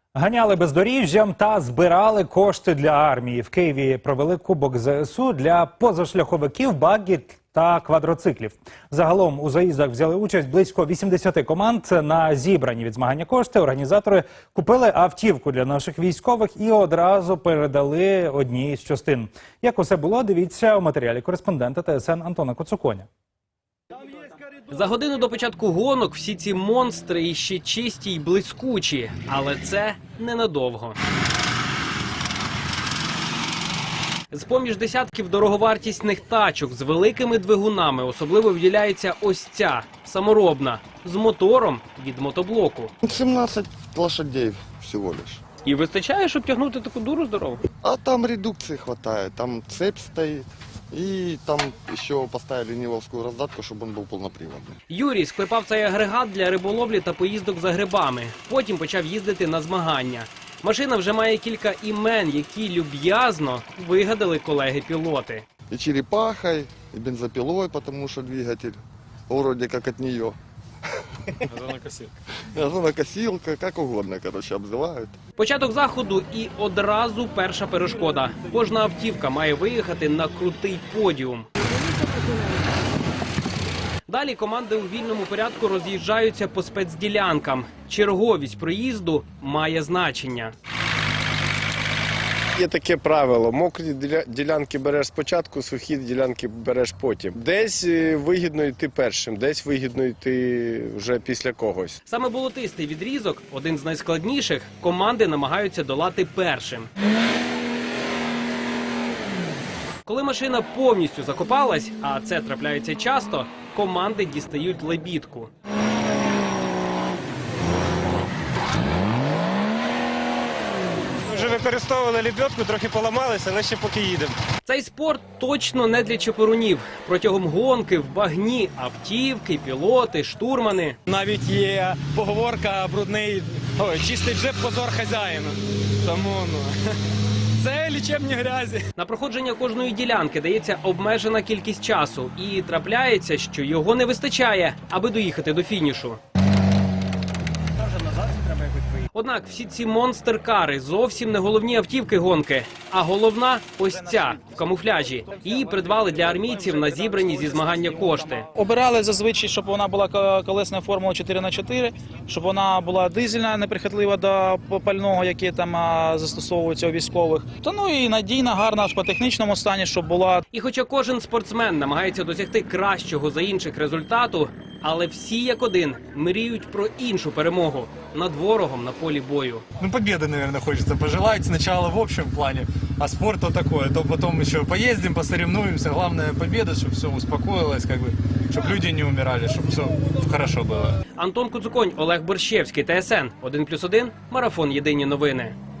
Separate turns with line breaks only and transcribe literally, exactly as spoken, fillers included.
Ганяли бездоріжжям та збирали кошти для армії. В Києві провели Кубок Зе Ес У для позашляховиків, багі та квадроциклів. Загалом у заїздах взяли участь близько вісімдесят команд. На зібрані від змагання кошти організатори купили автівку для наших військових і одразу передали одній з частин. Як усе було, дивіться у матеріалі кореспондента Те Ес Ен Антона Коцуконя.
За годину до початку гонок всі ці монстри іще чисті й блискучі, але це ненадовго. З-поміж десятків дороговартісних тачок з великими двигунами особливо виділяється ось ця, саморобна, з мотором від мотоблоку.
сімнадцять лошадей всього лиш.
І вистачає, щоб тягнути таку дуру здорову?
А там редукции хватает, там цепь стоит. И там еще поставили нивовскую раздатку, чтобы он был полноприводный.
Юрій склепав цей агрегат для риболовлі та поїздок за грибами. Потім почав їздити на змагання. Машина вже має кілька імен, які люб'язно вигадали колеги-пілоти.
И черепахой, и бензопилой, потому что двигатель вроде как от нее.
Газонокосилка.
Газонокосилка, как угодно, короче, обзывают.
Початок заходу і одразу перша перешкода. Кожна автівка має виїхати на крутий подіум. Далі команди у вільному порядку роз'їжджаються по спецділянкам. Черговість проїзду має значення.
Є таке правило, мокрі діля- ділянки береш спочатку, сухі ділянки береш потім. Десь е, вигідно йти першим, десь вигідно йти вже після когось.
Саме болотистий відрізок, один з найскладніших, команди намагаються долати першим. Коли машина повністю закопалась, а це трапляється часто, команди дістають лебідку.
Вже використовували лебедку, трохи поламалися, але ще поки їдемо.
Цей спорт точно не для чепурунів. Протягом гонки в багні автівки, пілоти, штурмани.
Навіть є поговорка брудний, ой, чистий джеб позор хазяїну. Тому, ну, це лічебні грязі.
На проходження кожної ділянки дається обмежена кількість часу. І трапляється, що його не вистачає, аби доїхати до фінішу. Однак всі ці монстер-кари зовсім не головні автівки гонки, а головна ось ця, в камуфляжі. Її придбали для армійців на зібрані зі змагання кошти.
Обирали зазвичай, щоб вона була колесна формула чотири на чотири, щоб вона була дизельна, неприхотлива до пального, яке там а, застосовується у військових. Та ну і надійна, гарна по технічному стані, щоб була.
І хоча кожен спортсмен намагається досягти кращого за інших результату, але всі як один мріють про іншу перемогу над ворогом на полі бою.
Ну, победы, наверное, хочется пожелать. Сначала в общем плане, а спорт то такое. То потом еще поездим, посоревнуемся. Главное победа, чтобы все успокоилось, как бы, чтобы люди не умирали, чтобы все хорошо было.
Антон Коцуконь, Олег Борщевський, Те Ес Ен, один плюс один, Марафон. Єдині новини.